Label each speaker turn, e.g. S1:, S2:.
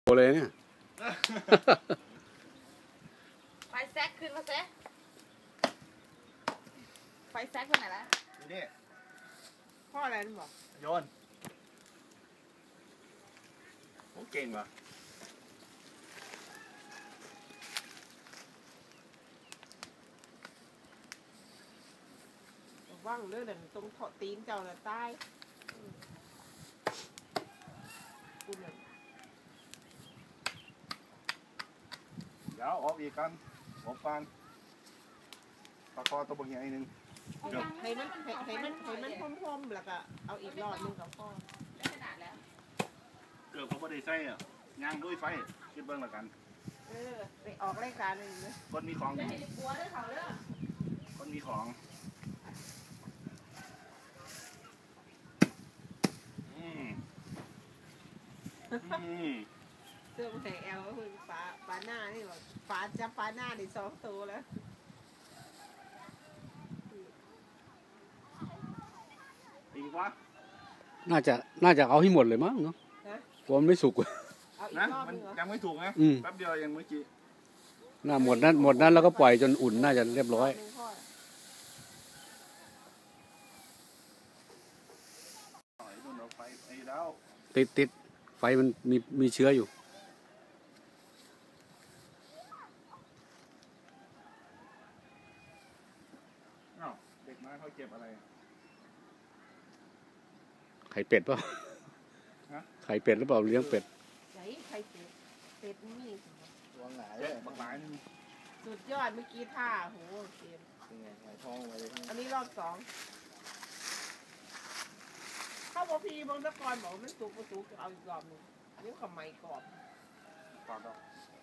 S1: เลยเนี่ย
S2: ไฟแซกขึ้นมาแซกไฟแซกไปไหนละ
S3: นี่
S2: พ่ออะไรนั่นบอก
S3: โยนโอ้เก่งว่ะ
S2: ว่างเรื่องตรงเถาะตีนเจ้าน่ะใต้คุณน่ะ
S3: เดี๋ยวออกอีกกันออกฟังปากคอตัวบางอย่างอีกนึง
S2: ให้มันพรมๆแล้วก็เอาอีกรอดนึงกับพ่อได้ขนาดแล้ว
S3: เกือบเขาไม่ได้ใส่อ่ะย่างด้วยไฟคิดเบิ้งละกัน
S2: ไปออกรายการนึงเลย
S3: คนมีของ
S2: จะให้กลัวด้วยเขาเด้อ
S3: คนมีของ
S2: เสื้อมันแหงแอลก็คือฟ้าหน้านี่หรอฟ้าหน้านี่2 ตัวแล้ว
S3: อีกวะ
S1: น่าจะเอาให้หมดเลยมั้งเนาะกลัวมันไม่สุก
S3: นะมันยังไม่ถูกนะแป๊บเดียวยังเมื่อกี้
S1: น่าหมดนั้นแล้วก็ปล่อยจนอุ่นน่าจะเรียบร้อยติดไฟมันมีเชื้ออยู่
S3: เด็กมาเขาเก็บอะไร
S1: ไข่เป็ดเปล่าไข่เป็ดหรือเปล่าเลี้ยงเป็ด
S2: ไข่เป็ดนี่
S3: วางหงายเลยบางหลาย
S2: สุดยอดเมื่อกี้ท่าโหเกม
S3: หงายท้องไว้
S2: อันนี้รอบ2เข้าบพีบางตะกอนบอกมันสุกเอาอีกรอบนึงอันนี้ขมายกรอบ
S3: กรอบ